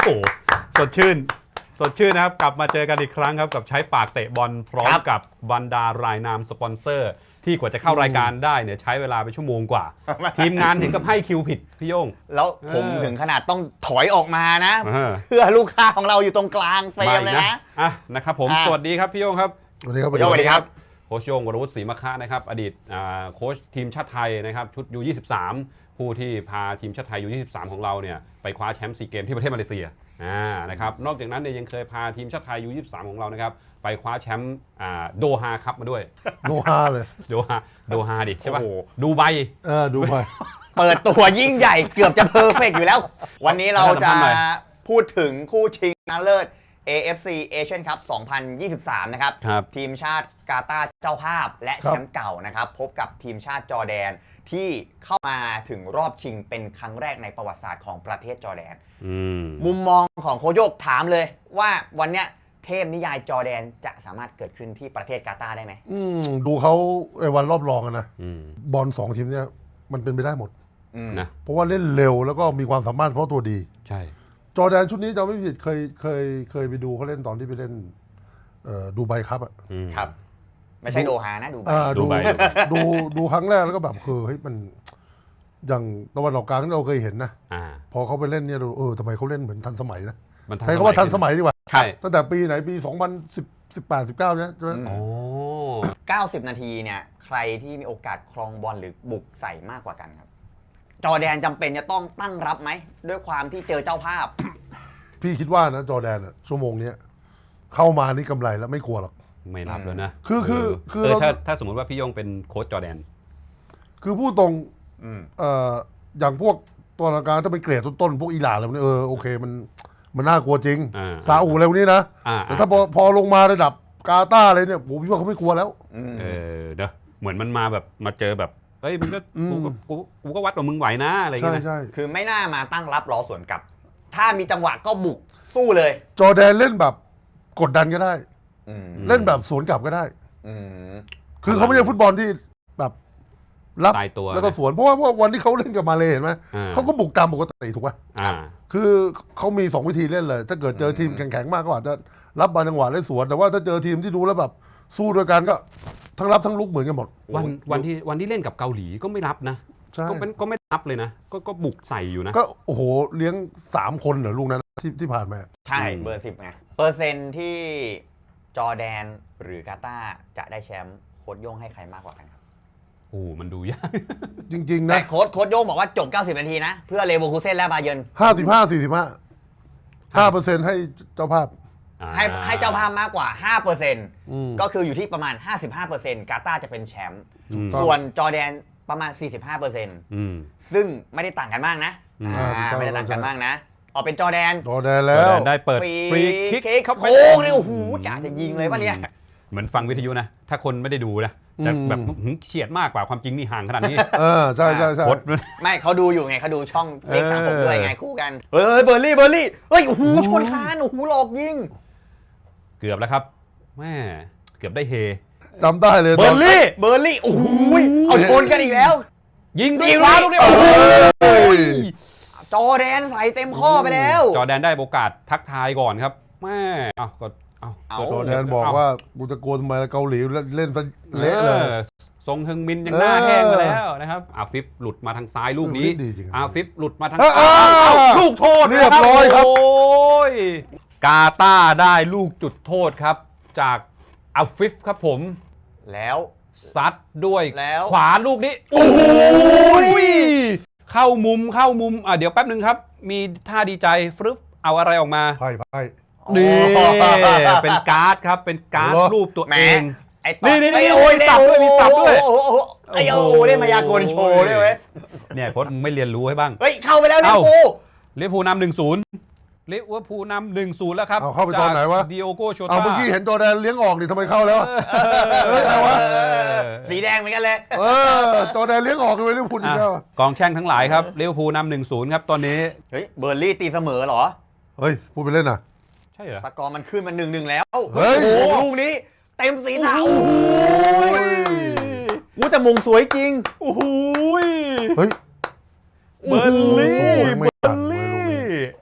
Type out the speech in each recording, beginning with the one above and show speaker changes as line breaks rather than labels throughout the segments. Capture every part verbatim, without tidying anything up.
โหสดชื่นสดชื่นนะครับกลับมาเจอกันอีกครั้งครับกับใช้ปากเตะบอลพร้อมกับบรรดารายนามสปอนเซอร์ที่กว่าจะเข้ารายการได้เนี่ยใช้เวลาไปชั่วโมงกว่า ทีมงานถึงกับให้คิวผิดพี่โย่ง
แล้วผมถึงขนาดต้องถอยออกมานะ
เออ
เพื่อลูกค้าของเราอยู่ตรงกลางเฟรมเลยนะ
อ่ะนะครับผม
อ่ะ
สวัสดีครับพี่โย่งครับ
สวัสดีครับ
สวัสดีครับ
โค้ชโย่งวรวุฒิศรีมะคะนะครับอดีตอ่าโค้ชทีมชาติไทยนะครับชุด ยู ยี่สิบสาม ผู้ที่พาทีมชาติไทย ยู ยี่สิบสาม ของเราเนี่ยไปคว้าแชมป์ซีเกมที่ประเทศมาเลเซียอ่านะครับนอกจากนั้นเนี่ยยังเคยพาทีมชาติไทย ยู ยี่สิบสาม ของเรานะครับไปคว้าแชมป์อ่าโดฮาคัพมาด้วย
โนฮาเลย
โดฮาโดฮาดิใช่ป่ะ
โอ้โห
ดูไบ
เออดูไป
เปิดตัวยิ่งใหญ่เกือบจะเพอร์เฟกต์อยู่แล้ว วันนี้เราจะพูดถึงคู่ชิงชนะเลิศ เอ เอฟ ซี Asian Cup สองพันยี่สิบสาม นะครับ
ครับ
ทีมชาติกาตาร์เจ้าภาพและแชมป์เก่านะครับพบกับทีมชาติจอร์แดนที่เข้ามาถึงรอบชิงเป็นครั้งแรกในประวัติศาสตร์ของประเทศจอร์แดน
อืม
มุมมองของโคชโยกถามเลยว่าวันเนี้ยเทพนิยายจอร์แดนจะสามารถเกิดขึ้นที่ประเทศกาตาร์ได้ไหม
อืมดูเขาในวันรอบรองกันนะ
อืม
บอลสองทีมเนี่ยมันเป็นไปได้หมด
อืม
นะ
เพราะว่าเล่นเร็วแล้วก็มีความสามารถเฉพาะตัวดี
ใช่
จอร์แดนชุดนี้จำไม่ผิดเคยเคยเคยไปดูเขาเล่นตอนที่ไปเล่นเอ่อดูไบครับอ่ะ
อืม
ครับ ไม่ใช่โดฮานะดูไบ
อ่า
ดู
ดู
ไบ
ดูดูครั้งแรกแล้วก็แบบคือเฮ้ยมันอย่างตะวันออกกลางที่เราเคยเห็นนะ
อ่า
พอเขาไปเล่นเนี่ยเราเออทำไมเขาเล่นเหมือนทันสมัยนะ
มัน
ใช้คำว่าทันสมัยดีกว่า
ใช่
ตั้งแต่ปีไหนปีสองพันสิบ สิบแปด สิบเก้าเนี่ยใช่ไหม
โอ้
เก้าสิบ นาทีเนี่ยใครที่มีโอกาสครองบอลหรือบุกใส่มากกว่ากันครับ จอร์แดนจำเป็นจะต้องตั้งรับไหมด้วยความที่เจอเจ้าภาพ
พี่คิดว่านะจอร์แดนอะชั่วโมงเนี้ยเข้ามานี่กำไรแล้วไม่กลัวหรอก
ไม่รับแล้วนะ
คือคือคือ
เออ
เรา
ถ้าถ้าสมมติว่าพี่โย่งเป็นโค้ชจอร์แดน
คือพูดตรง
อืม
เอ่ออย่างพวกตัวกลางถ้าเป็นเกรดต้นๆพวกอิหร่านอะไรพวกนี้เออโอเคมันมันน่ากลัวจริง
อ่า
ซาอุอะไรพวกนี้นะ
อ่า
แต่ถ้าพอพอลงมาระดับกาตาร์อะไรเนี่ยผมพี่ว่าเขาไม่กลัวแล้ว
อืม
เออเด้อเหมือนมันมาแบบมาเจอแบบเฮ้ยมึงก็
อืม
กูก็กูกูก็วัดว่ามึงไหวนะอะไรอย่าง
ใช่
เงี้ยนะ
ใช่
คือไม่น่ามาตั้งรับรอสวนกลับ ถ้ามีจังหวะก็บุกสู้เลย
จอร์แดนเล่นแบบกดดันก็ได้
อืม
เล่นแบบสวนกลับก็ได้
อืม
คือเขาไม่ใช่ฟุตบอลที่แบบรับ
ตายตัว
แล้วก็สวนเพราะว่าเพราะว่าวันที่เขาเล่นกับมาเลเห็นไหม
อ่า
เขาก็บุกตามปกติถูกป่ะ
อ่า
คือเขามีสองวิธีเล่นเลย ถ้าเกิดเจอทีมแข็งๆมากก็อาจจะรับบอลจังหวะเล่นสวน แต่ว่าถ้าเจอทีมที่ดูแล้วแบบสู้ด้วยกันก็ทั้งรับทั้งลุกเหมือนกันหมด
วันวันที่วันที่เล่นกับเกาหลีก็ไม่รับนะ
ใช่
ก็เป็นก็ไม่รับเลยนะ ก็ก็บุกใส่อยู่นะ
ก็โอ้โหเลี้ยงสามคนเหรอลูกนั้นที่ที่ผ่านมา
ใช่
อืม
เบอร์สิบไงเปอร์เซ็นต์ที่จอร์แดนหรือกาตาร์จะได้แชมป์โค้ชโย่งให้ใครมากกว่ากันครับ
โอ้มันดูยาก
จริง ๆ
แต่
นะ
โค้ชโค้ชโย่งบอกว่าจบ เก้าสิบ นาทีนะ เพื่อเลเวอร์คูเซ่นและบาเยิร์น
ห้าสิบห้าสี่สิบห้าห้าเปอร์เซ็นต์ให้เจ้าภาพ
ให้ให้เจ้าภาพมากกว่า ห้าเปอร์เซ็นต์
อืม
ก็คืออยู่ที่ประมาณ ห้าสิบห้าเปอร์เซ็นต์ กาตาร์จะเป็นแชมป์
อืม
ส่วนจอร์แดนประมาณ สี่สิบห้าเปอร์เซ็นต์
อืม
ซึ่งไม่ได้ต่างกันมากนะ
อืม
อ่า
อ่าถูกต้อง
ไม่ได้ต่างกันมากนะออกเป็นจอร์แดน
จอร์แดน
จ
แล้
อร์
ว
แดนได้เปิดฟรีคิก
คิก
เข้าไป
โค้งเนี่ยโอ้โหกะจะยิงเลยป่ะเนี่ย
เหมือนฟังวิทยุนะ ถ้าคนไม่ได้ดูนะจะแบบหึเฉียดมากกว่าความจริงนี่ห่างขนาดนี้
เออใช่ใช่ใช่
โคตร
ไม่เขาดูอยู่ไงเขาดูช่องเลขสามหก
เออ
ด้วยไงคู่กัน เฮ้ยเบอร์รี่เบอร์รี่เฮ้ยโอ้โหชนคานโอ้โหหลอกยิง
เกือบแล้วครับแม่เกือบได้เฮ
จำได้เลย
เบอร์ลี่
เบอร์รี่โอ้โหเอาชนกันอีกแล้ว
ยิงด้วย
ยิง
ขวา
ลู
ลู
ก
ก
นี้
นี้
โอ้
โอ้
โห
โห
จอร์แดนใส่เต็มข้อไปแล้ว
จอร์แดนได้โอกาสทักทายก่อนครับแม่เอาก็เอา
เอา
จอร์แดนบอกว่ากูจะโกนทำไมเกาหลีเล่นซะเละเลย
ออทรงฮึงมินยังหน้าแห้งมาแล้วนะครับอาฟิฟหลุดมาทางซ้ายลูกนี้
ดีจริง
อาฟิฟหลุดมาทาง
เออ
ซ้าย
เออ
เอาลูกโทษ
เรียบร้อยครับ
โอ้ยกาตาร์ได้ลูกจุดโทษครับ จากอาฟิฟครับผม
แล้ว
ซัดด้วย
แล้ว
ขวาลูกนี้โอ้โหเข้ามุมเข้ามุมอ่ะเดี๋ยวแป๊บหนึ่งครับ มีท่าดีใจฟรึบเอาอะไรออกมา
ไพ่ไพ่
นี่เป็นการ์ดครับเป็นการ์ด
โอ้โห
รูปตัว
แหม
เอง
ไอ้
นี่นี่นี่
ไอ้
โอ้ยสับด้วยมีสับด้วย
โอ้โหโอ้โหไอ้โอ้โหเล่นมายากลโชว์ด้วยเว้ย
เนี่ยโค้ชมึงไม่เรียนรู้ให้บ้าง
เฮ้ยเข้าไปแล้วลิเวอร์
เอ้า
พูล
ลิเวอร์พูลนำหนึ่งศูนย์ลิเวอร์พูลนำหนึ่งศูนย์แล้วครับ
เอาเข้าไปตอนไหนวะ
ดิโอโกโชต้า
เอาเมื่อกี้เห็นจอร์แดนเลี้ยงออกนี่ทำไมเข้าแล้วอะเฮ้ยอะไรวะ
สีแดงเหมือนกันเลย
เออจอร์แดนเลี้ยงออกเลยไม่พูดอีกแล้ว
อ่ะกองแช่งทั้งหลายครับลิเวอร์พูลนำหนึ่งศูนย์ครับตอนนี้
เฮ้ยเบอร์ลี่ตีเสมอเหรอ
เฮ้ยพูดไปเล่นน่ะ
ใช่เหรอ
สกอร์มันขึ้นมาหนึ่งหนึ่งแล้ว
เฮ้ย
โอ้โหลูกนี้ เต็มสีหนา
โอ้
โอ้
โห
โหวู้แต่มงสวยจริง
โอ้โห
เฮ้ย
เบอร์ลี่
โอ้โหไม่
เบอ
ทัน
ร์
เว้ย
ลี่
ลูกนี้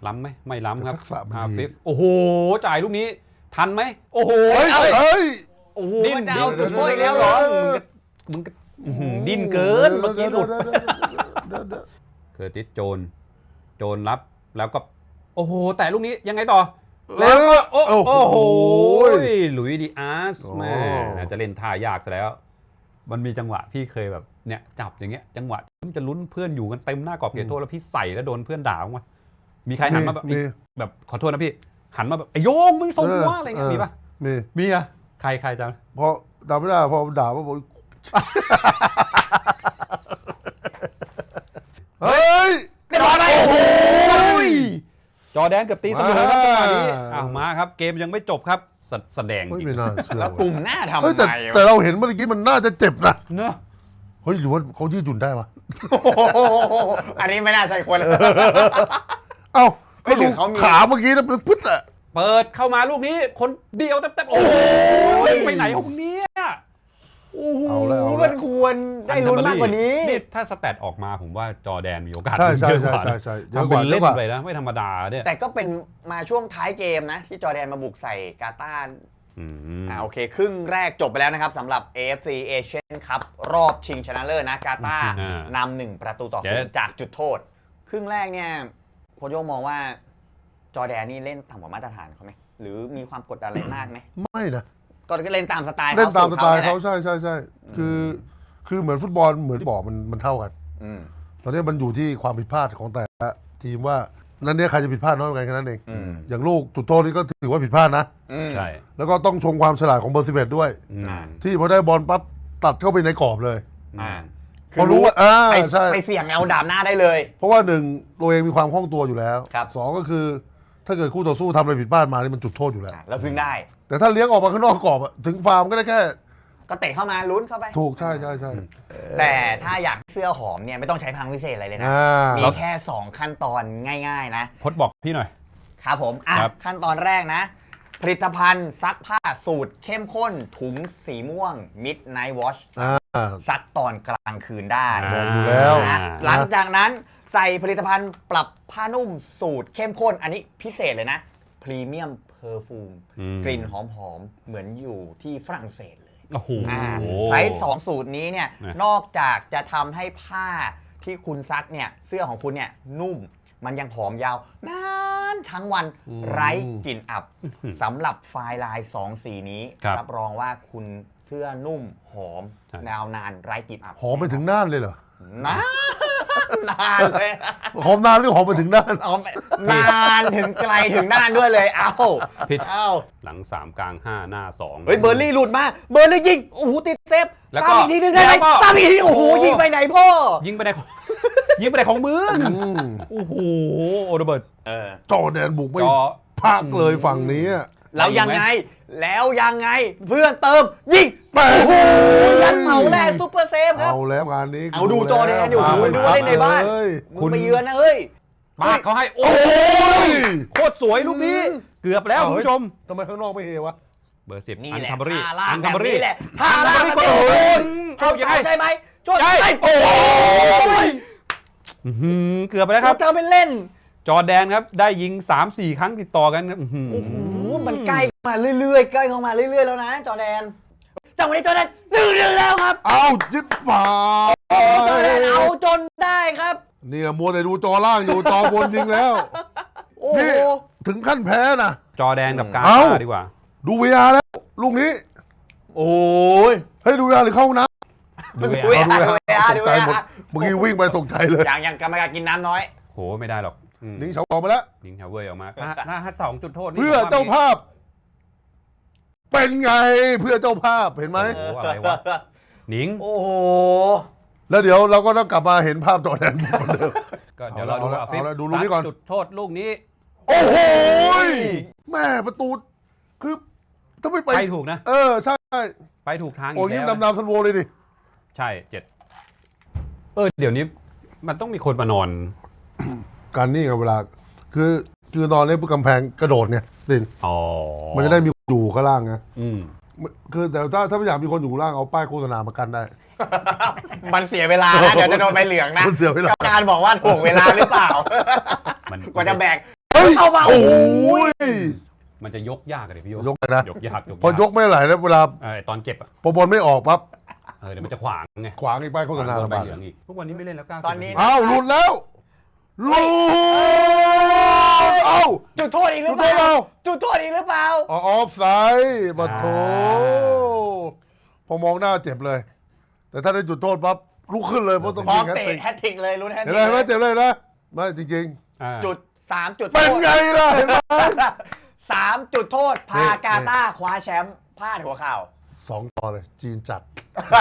ล้ำไหมไม่ล้ำครับ
ทักษะมัน
ฮา
ดี
ฟิฟโอ้โหจ่ายลูกนี้ทันไหมโอ้โห
เฮ้ย
เอ้ย
เฮ้ย
โอ้โห
ดิ้น
มันจะเอาจุดโทษอีกแล้วเหรอ
มึงก็อื้อหือดิ้นเกินเมื่อกี้หลุด เคอร์ติสโจนโจนรับแล้วก็โอ้โหแต่ลูกนี้ยังไงต่อ แล้วก็โอ้
โอ้
โอ้โห
โห
หลุยส์ดิอาร์ส
โอ้
แม่จะเล่นท่ายากซะแล้ว มันมีจังหวะพี่เคยแบบเนี่ยจับอย่างเงี้ยจังหวะมันจะลุ้นเพื่อนอยู่กันเต็มหน้ากรอบเขตโทษแล้วพี่ใส่แล้วโดนเพื่อนด่าบ้างวะมีใครหันมาแบบ
มี
แบบขอโทษนะพี่หันมาแบบไอ้โยงมึงส่งหัวอะไรเงี้ยมีปะ
มี
มีอะใครใครจำ
พอจำไม่ได้พอด่าว่าบอกเฮ้ย
เรียบร้อยไหมโอ้โหจอร์แดนกับตีเสมอครับจังหวะนี้อ้าวมาครับเกมยังไม่จบครับแสแสดง
เฮ้ย
จริง
ไม่น่าเชื่อ
แล้วกลุ่มหน้าทำ
เฮ้ยแต่
ไม
แต่
วะ
เราเห็นเมื่อกี้มันน่าจะเจ็บนะ
เนอะ
เฮ้ยหรือว่าเขายืดหยุ่นได้ปะ
โอ้โหอันนี้ไม่น่าใช่คน
เอ้า
เฮ้
ก็
ยหรื
ดู
อเขามี
ขาเมื่อกี้นะเป็นพุทธอะ
เปิดเข้ามาลูกนี้คนเดียวเต็มๆโอ้โหไปไหนของเนี่ยโอ้โห
เอาแล้วเอา
มั
แล้ว
นควรได้ลุ้นมากกว่านี้
นี่ถ้าสแตทออกมาผมว่าจอร์แดนมีโอกาส
ใช่ใช่
เยอะก
ใช่
ว่า
ใช่
นะ
ใช่เยอะ
ทำ
ก
เป็
ว่าน เย
เล่
อะ
น
กว่า
ไปนะไม่ธรรมดาเนี่ย
แต่ก็เป็นมาช่วงท้ายเกมนะ ที่จอร์แดนมาบุกใส่กาตาร์
อืม
อ่าโอเค ครึ่งแรกจบไปแล้วนะครับสำหรับ เอ เอฟ ซี Asian Cup รอบชิงชนะเลิศนะกาตาร์
อ่าน
ำหนึ่งประตูต่อ
เดี๋
ศู
ยว
นย์จากจุดโทษ ครึ่งแรกเนี่ยโค้ชโย่งมองว่าจอร์แดนนี่เล่นต่ำกว่ามาตรฐานเขาไหมหรือมีความกดดันอะไรมากไหม
ไม่นะ
ก็เล่นตามสไตล์
เล่นตามสไตล์
สู
เขา
ตร
ใช่ใช่ใช่คือคือเหมือนฟุตบอลเหมือนที่บอกมันมันเท่ากัน
อืม
ตอนนี้มันอยู่ที่ความผิดพลาดของแต่ละทีมว่านั้นเนี่ยใครจะผิดพลาดน้อยกว่ากันแค่นั้นเอง
อืม
อย่างลูกจุดโทษนี่ก็ถือว่าผิดพลาดนะ
อืม
ใช่
แล้วก็ต้องชมความฉลาดของเบอร์สิบเอ็ดด้วย
อืม
อ่า
ที่พอได้บอลปั๊บตัดเข้าไปในกรอบเลย
อ่า
พอรู้ว่าอ่า
ไป
ใช่
ไปเสี่ยงเอาดาบหน้าได้เลย
เพราะว่าหนึ่งตัวเองมีความคล่องตัวอยู่แล้ว
ครับ
สองก็คือ ถ้าเกิดคู่ต่อสู้ทำอะไรผิดพลาดมานี่มันจุดโทษอยู่แล้ว
อ่ะแล้วพึ่งได้
แต่ถ้าเลี้ยงออกมาข้างนอกกรอบอะถึงฟาร์มก็ได้แค่
ก็เตะเข้ามาลุ้นเข้าไป
ถูกใช่ใช่ใช่
แต่ถ้าอยากเสื้อหอมเนี่ยไม่ต้องใช้พลังพิเศษอะไรเลยนะ
อ่า
มีแค่ สอง ขั้นตอนง่ายๆนะ
พดบอกพี่หน่อย
ครับผมอ่ะ
ครับ
ขั้นตอนแรกนะ ผลิตภัณฑ์ซักผ้าสูตรเข้มข้นถุงสีม่วง Midnight Wash
อ่า
ซักตอนกลางคืนได้
อ่า
บอกอยู่แล้ว
นะหลังจากนั้นใส่ผลิตภัณฑ์ปรับผ้านุ่มสูตรเข้มข้น อันนี้พิเศษเลยนะพรีเมียมเพอร์ฟูม
อืม
กลิ่นหอมๆ เหมือนอยู่ที่ฝรั่งเศสเลย
โอ้โห
อ่าใช้สองสูตรนี้เนี่ย
นะ
นอกจากจะทำให้ผ้าที่คุณซักเนี่ยเสื้อของคุณเนี่ยนุ่มมันยังหอมยาวนานทั้งวัน
อืม
ไร้กลิ่นอับสำหรับไฟล์ลายสองสีนี้
ครับ
รับรองว่าคุณเสื้อนุ่มหอม
ใช่
ยาวนานไร้กลิ่นอับ
หอมไปถึงน่านเลยเหรอ
นานนานเลย
หอมนานหรือหอมไปถึงน่าน
หอมนานถึงไกลถึงน่านด้วยเลยเอ้า
ผิด
เอ้า
หลังสามกลางห้าหน้าสอง
เฮ้ยเบอร์ลี่หลุดมาเบอร์ลี่ยิงโอ้โหติดเซฟ
แล้วก็
ตามอีกทีนึงได้ไหม
แล้วก็
ตามอีกทีโอ้โหยิงไปไหนพ่อ
ยิงไปในของ ยิงไปในของมือ
อืม
โอ้โหโอเดเบิร์ต
เออ
จอแดนบุกไม่
จอ
พักเลยฝั่งนี้อะ
แล้วยังไง แล้วยังไง เพื่อนเติม ยิง
แม่
โอ้โหยันเหมาแรกซุปเปอร์เซฟครับ
เอาแล้วงานนี้
เอาดูจอแดนดิโอ้โห
พาไป
ดูว่าเล่นในบ้าน
เลย
มึงไปเยือนนะเฮ้ย
ปากเขาให้ โอ้
โอ้ย
โคตรสวยลูกนี้ เกือบแล้วคุณผู้ชม
ทำไมข้างนอกไม่เฮวะ
เบอร์สิบ
นี่
อัน
แหละ
คัมเบอรี่
ท่าล่า
อั
ง
น
แบ
คัม
บ
เบอรี่
นี้แหละท่าล่าง
ก็
โอ้
โอ้
ย
ย
เอา
เอายังไง
ใช่ไหมชด
ใช่
ใช่
โอ้
โอ้ย
อื้อหือเกือบไปแล้วค
ครั
รั
บบ เธอเป็นเล่น
จอร์แดนครับ ได้ยิง สามสี่ ครั้งติดต่อกันครับอื้อหือ
โอ้โหมันใกล้เข้ามาเรื่อยๆใกล้เข้ามาเรื่อยๆแล้วนะ จอแดนจังหวะนี้จอแดนหนึ่งหนึ่งแล้วครับ
เอาจิ๊บป่า
จอแดนเอาจนได้ครับ
นี่นะมัวแต่ดูจอล่างอยู่จอบนยิงแล้ว
โอ้โห
นี่ถึงขั้นแพ้นะ
จอร์แดนกับกา
เอ้า
ตาร์ดีกว่า
ดูวีอาร์แล้ว ลูกนี้
โอ้ย
ให้ดูวีอาร์หรือเข้าห้องน้ำ
ดู
ดู
เอ
เอ
ง
ดูเอ
ต
ดู
ก
เอ
ใจหมดเมื่อกี้วิ่งไปตกใจเลย
อย่างอย่างกรรมการกินน้ำน้อย
โหไม่ได้หรอกอืม
นิ่งเฉาออกมาแล้ว
ยิงชาวเวย์ออกมาถ้าถ้าถ้าสองจุดโทษนี่
เพื่อ
ผมว่
เจ้าภาพ เป็นไงเพื่อเจ้าภาพเห็นไหม
โอ้โหอะไรวะหนิง
โอ้โห
แล้วเดี๋ยวเราก็ต้องกลับมาเห็นภาพจอแดนเหมือนเดิม
ก็เดี๋ยวเราดู
เอาละ
อาฟิฟ
เอาละดูลูกนี้ก่อน
ซัจุดโทษลูกนี้
โอ้โหแม่ประตู คือถ้าไม่ไป
ไปถูกนะ
เออ ใช่
ไปถูกทางอี
โอ้ย
ก
ยิ้ม
แล้ว
ดำน้ำซันโวเลยดิ
ใช่เจ็ดเออเดี๋ยวนี้มันต้องมีคนมานอน
การนี่ไงเวลา คือคือตอนนี้กำแพงกระโดดเนี่ยสิน
อ๋อ
มันจะได้มีอยู่ข้างล่างไง
อืม
คือแต่ถ้าถ้าไม่อยากมีคนอยู่ข้างล่างเอาป้ายโฆษณามากันได้
มันเสียเวลานะเดี๋ยวจะโดนใบเหลืองนะ
มันเสียเวลา
กรรมการบอกว่าถ่วงเวลาหรือเปล่า
มัน
กว่าจะแบก
เฮ้ฮ้ย
เข้ามา
โอ้ย
มันจะยกยากเลยพี่โย
ยกไปนะ
ยกยากยก
พอยกไม่ไหลแล้วเวลา
เออตอนเก็บอ่ะ
พอบอลไม่ออกปั๊บ
เออเดี๋ยวมันจะขวางไง
ขวางอีกป้ายโฆษณา
โด
ลำ
นใบบ
าก
เหลืองอีกทุกวันนี้ไม่เล่นแล้วก้าว
ตอนนี้
อ้าวหลุดแล้วหลุดเอ้า
จุดโทษอีกหรือเป
จุดโทษ
ล่า
เรา
จุดโทษอีกหรือเปล่า
ออฟไซด์บัดโถพอมองหน้าเจ็บเลย แต่ถ้าได้จุดโทษปั๊บลุกขึ้นเลยเพราะต้อง
พร้อ
ยิ
ม
งแฮต
เตะ
ติก
แฮตทริกเลยลุ้นแฮตท
เห็
ริ
น
ก
ไหมเจ็บเลยนะไม่จริง
อ่า
จุดสามจุด
ๆ
โท
เป็น
ษ
ไงล่ะเห็นไหม
สามจุดโทษ
นี่
พากาตาร์คว้าแชมป์พลาดหัวเข่า
สองต่อเลยจีนจัด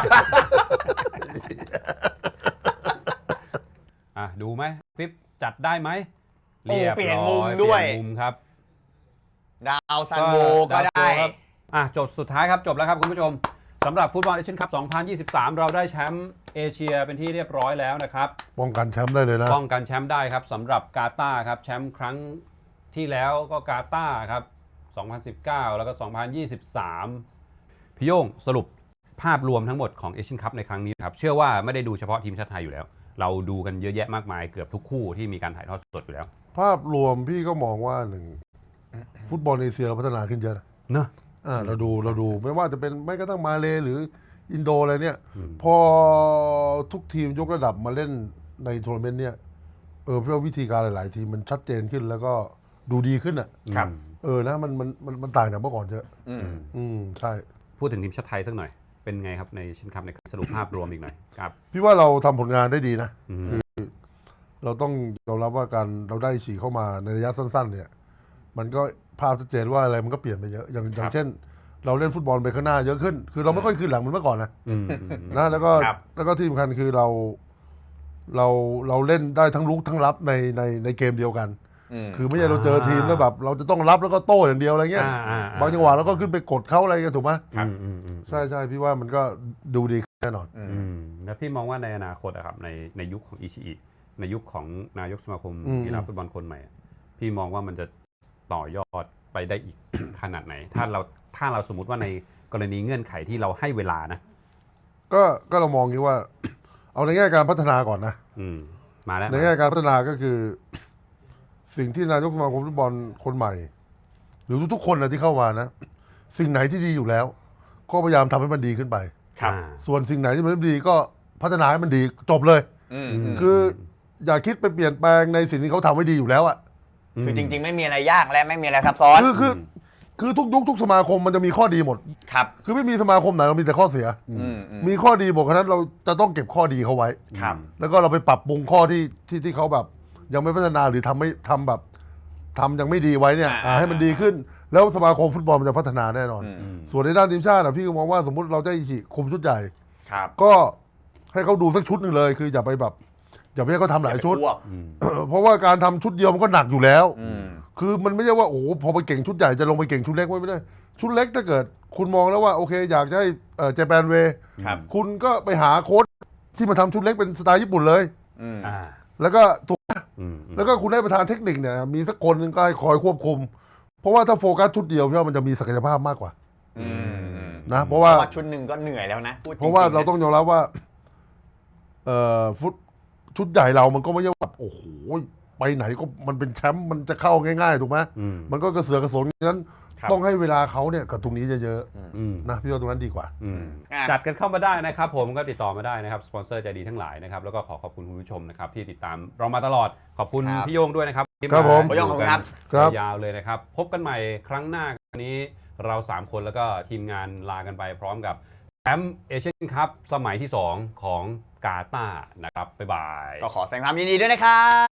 อ่ะดูไหมฟิปจัดได้ไหม
โอ้
เรียบ
เปลี่ยน
ร้
มุ
อ
ม
ย
ด้วย
เปลี่ยนมุมครับ
ดาวซันโวก็
ดาว
ได้
โครับอ่ะจบสุดท้ายครับจบแล้วครับคุณผู้ชมสำหรับฟุตบอลเอเชียนคัพ สองพันยี่สิบสาม เราได้แชมป์เอเชียเป็นที่เรียบร้อยแล้วนะครับ
ป้องกันแชมป์ได้เลยนะ
ป้องกันแชมป์ได้ครับสำหรับกาตาร์ครับแชมป์ครั้งที่แล้วก็กาตาร์ครับ สองพันสิบเก้า แล้วก็ สองพันยี่สิบสาม พี่โย่งสรุปภาพรวมทั้งหมดของเอเชียนคัพในครั้งนี้ครับเชื่อว่าไม่ได้ดูเฉพาะทีมชาติไทยอยู่แล้ว เราดูกันเยอะแยะมากมายเกือบทุกคู่ที่มีการถ่ายทอดสดอยู่แล้ว
ภาพรวมพี่ก็มองว่าหนึ่งฟุตบอลเอเชียเราพัฒนาขึ้นเยอะนะ
เนอะ
อ่าเราดูเราดูไม่ว่าจะเป็นไม่กระทั่งมาเลหรืออินโดอะไรเนี่ย
อืม
พอทุกทีมยกระดับมาเล่นในทัวร์นาเมนต์เนี่ยเออเพื่อวิธีการหลาย ๆ ทีมมันชัดเจนขึ้นแล้วก็ดูดีขึ้นอ่ะ
ครับ
เออนะมันมันมันมันต่างจากเมื่อก่อนเยอะ
อืม
อืมใช่
พูดถึงทีมชาติไทยสักหน่อย เป็นไงครับในเอเชียนคัพในสรุปภาพรวมอีกหน่อยครับ
พี่ว่าเราทำผลงานได้ดีนะ
อืม
เราต้องยอมรับว่าการเราได้ฉีกเข้ามาในระยะสั้น ๆ เนี่ย มันก็ภาพชัดเจนว่าอะไรมันก็เปลี่ยนไปเยอะอย่างอย่างเช่น เราเล่นฟุตบอลไปข้างหน้าเยอะขึ้น คือเราไม่ค่อยขึ้นหลังเหมือนเมื่อก่อนนะ
อืม
นะแล้วก็
ครับ
แล้วก็ที่สำคัญคือเราเราเราเล่นได้ทั้งลุกทั้งรับในในในเกมเดียวกัน
อืม
คือไม่ใช่เราเจอทีมแล้วแบบ เราจะต้องรับแล้วก็โต้อย่างเดียวอะไรเงี้ย
อ่าอ่าอ่า
บางจังหวะเราก็ขึ้นไปกดเขาอะไรกันถูกไหม
ครับอืมอืม
ใช่ใช่พี่ว่ามันก็ดูดีขึ้นแน่นอน
อืม
อืมแล้วพี่มองว่าในอนาคตอะครับในในยุคของอิชิอิในยุคของนายกสมาคม
อืม
กีฬาฟุตบอลคนใหม่อะพี่มองว่ามันจะต่อยอดไปได้อีก ขนาดไหน ถ้าเราถ้าเราสมมติว่าในกรณีเงื่อนไขที่เราให้เวลานะ
ก็ก็เรามองงี้ว่า เอาในแง่การพัฒนาก่อนนะ
อืมมาแล้ว
ในแง่การพัฒนาก็คือ สิ่งที่นายกสมาคมฟุตบอลคนใหม่ หรือทุกๆคนนะที่เข้ามานะ สิ่งไหนที่ดีอยู่แล้ว ก็พยายามทำให้มันดีขึ้นไป
ครับ
อ่า
ส่วนสิ่งไหนที่มันไม่ดีก็พัฒนาให้มันดีจบเลย
อืม
อืม
คืออย่าคิดไปเปลี่ยนแปลงในสิ่งที่เขาทำไว้ดีอยู่แล้วอะ
คือจริง ๆ ไม่มีอะไรยากและไม่มีอะไรซับซ้อน
คือคือคือทุกยุคทุกสมาคมมันจะมีข้อดีหมด
ครับ
คือไม่มีสมาคมไหนเรามีแต่ข้อเสีย
อืมอืม
มีข้อดีบอกฉะนั้นเราจะต้องเก็บข้อดีเขาไว้
ครับ
แล้วก็เราไปปรับปรุงข้อที่ที่ที่เขาแบบ ยังไม่พัฒนาหรือทำไม่ทำแบบทำยังไม่ดีไว้เนี่ย
อ่า
อ่าให้มันดีขึ้น แล้วสมาคมฟุตบอลมันจะพัฒนาแน่นอน
อืม
อืม
ส่วนในด้านทีมชาติอะพี่ก็มองว่าสมมติเราจะอิชิคุมชุดใหญ่
ครับ
ก็ให้เขาดูสักชุดหนึ่งเลย คืออย่าไปแบบอย่าไปให้เขาทำหลายชุด
อย่ไปอ้วก
อืม
เพราะว่าการทำชุดเดียวมันก็หนักอยู่แล้ว
อืม
คือมันไม่ใช่ว่าโอ้โหพอไปเก่งชุดใหญ่จะลงไปเก่งชุดเล็กไม่ได้ ชุดเล็กถ้าเกิด คุณมองแล้วว่าโอเค อยากจะให้เจแปนเว
ครับ
คุณก็ไปหาโค้ชที่มาทำชุดเล็กเป็นสไตล์ญี่ปุ่นเลย
อืม
อ่า
แล้วก็ถูก
อืม
แล้วก็คุณได้ประธานเทคนิคเนี่ยมีสักคนหนึงก็ให้คอยควบคุม เพราะว่าถ้าโฟกัสชุดเดียวพี่ว่ามันจะมีศักยภาพมากกว่า
อืม
นะเพราะว่า
เพราะว่าชุดหนึ่งก็เหนื่อยแล้วนะพูดจงๆ
เพราะว่าเรา
นี่ย
ต้องยอมรับว่าเอ่อฟุตชุดใหญ่เรามันก็ไม่ใช่ว่าโอ้โหไปไหนก็มันเป็นแชมป์มันจะเข้าง่ายๆถูกไหม
อืม
มันก็กระเสือกกระสนฉะนั้น
ครับ
ต้องให้เวลาเขาเนี่ยกับตรงนี้เยอะ
อืม
ๆนะพี่ว่าตรงนั้นดีกว่า
อืม
อ่ะ
จัดกันเข้ามาได้นะครับผมก็ติดต่อมาได้นะครับสปอนเซอร์ใจดีทั้งหลายนะครับแล้วก็ขอขอบคุณคุณผู้ชมนะครับที่ติดตามเรามาตลอดขอบคุณ
ครับ
พี่โยงด้วยนะครับที่
ครับผม
า
พี่โย่งขอบคุณครับ
ครับ
ยาวๆเลยนะครับ พบกันใหม่ครั้งหน้าวันนี้เราสามคนแล้วก็ทีมงานลากันไปพร้อมกับแชมป์เอเชียนคัพสมัยที่สองของกาตาร์นะครับบ๊ายบาย
ก็ขอแสดงความยินดีด้วยนะครับ